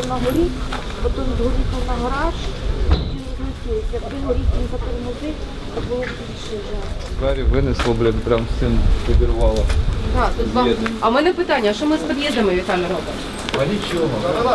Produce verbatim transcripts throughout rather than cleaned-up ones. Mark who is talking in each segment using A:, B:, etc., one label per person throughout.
A: на горі, потім згорів на гараж, потім злетів. Якби горів не затормозив, то було б більше жах.
B: Двері винесло, блін, прям всім підірвало.
C: А, тут вам... а в мене питання, що ми з під'їздами, Віталій, робимо?
B: А нічого.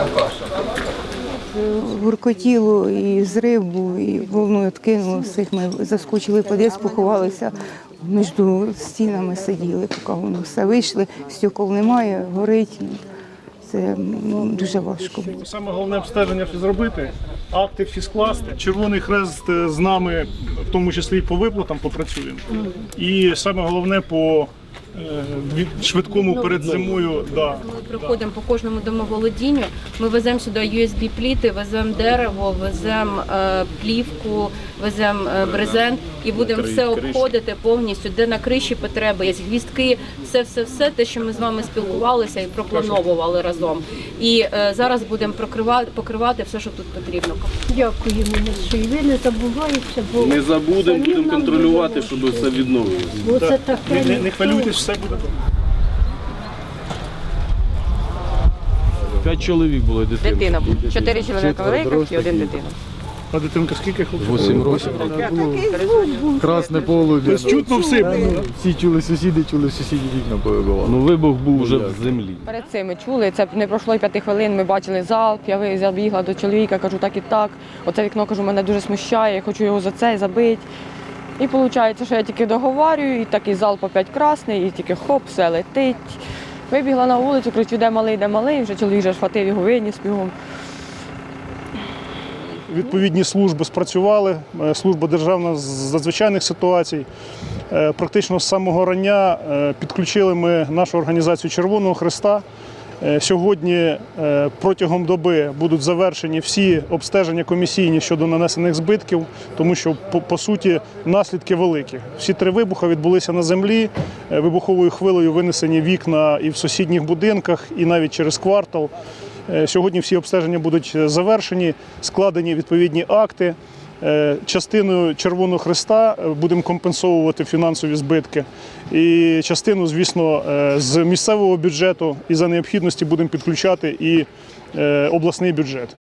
D: Гуркотіло, і зрив був, і волною откинуло всіх. Ми заскочили в під'їзд, поховалися, між стінами сиділи, поки воно все вийшли, стекол немає, горить. Це м, дуже важко.
E: Саме головне обстеження зробити, акти всі скласти. Червоний Хрест з нами, в тому числі і по виплатам, попрацюємо. І саме головне по е, від- швидкому перед зимою. Да.
C: Ми приходимо по кожному домоволодінню, ми веземо сюди ю ес бі-пліти, веземо дерево, веземо е, плівку, веземо е, брезент і будемо все обходити повністю, де на криші потреби, є гвіздки, все-все-все, те, що ми з вами спілкувалися і проплановували разом. І е, зараз будемо покривати, покривати все, що тут потрібно.
A: Дякуємо, що і ви не забуваєте, бо
F: Не забудемо, будемо контролювати, щоб все відновилося.
A: бо це
E: Не,
A: таке.
E: не, не хвилюйтесь, все буде добре.
F: П'ять чоловік було дитина.
C: Дитина, чотири чоловіка великих і один дитина.
E: А дитинка скільки хлопців?
B: Вісім років. Красне полум'я.
E: Тобто чутно все.
B: Всі чули сусіди, чули сусіді вікна повибивали.
F: Ну вибух був вже в землі.
G: Перед цим ми чули, це не пройшло й п'яти хвилин, ми бачили залп, я ви- забігла до чоловіка, кажу так і так. Оце вікно, кажу, мене дуже смущає, я хочу його за це забити. І виходить, що я тільки договорюю, і такий залп опять красний, і тільки хоп, все летить. Вибігла на вулицю, кричу, де малий, де малий, вже чоловік вже схватив його, виніс бігом.
E: Відповідні служби спрацювали, е, служба державна з надзвичайних ситуацій. Е, Практично з самого рання е, підключили ми нашу організацію Червоного Хреста. Е, Сьогодні е, протягом доби будуть завершені всі обстеження комісійні щодо нанесених збитків, тому що, по, по суті, наслідки великі. Всі три вибухи відбулися на землі, е, вибуховою хвилею винесені вікна і в сусідніх будинках, і навіть через квартал. Е, Сьогодні всі обстеження будуть завершені, складені відповідні акти. Е, Частиною Червоного Хреста будемо компенсовувати фінансові збитки. І частину, звісно, е, з місцевого бюджету і за необхідності будемо підключати і е, обласний бюджет.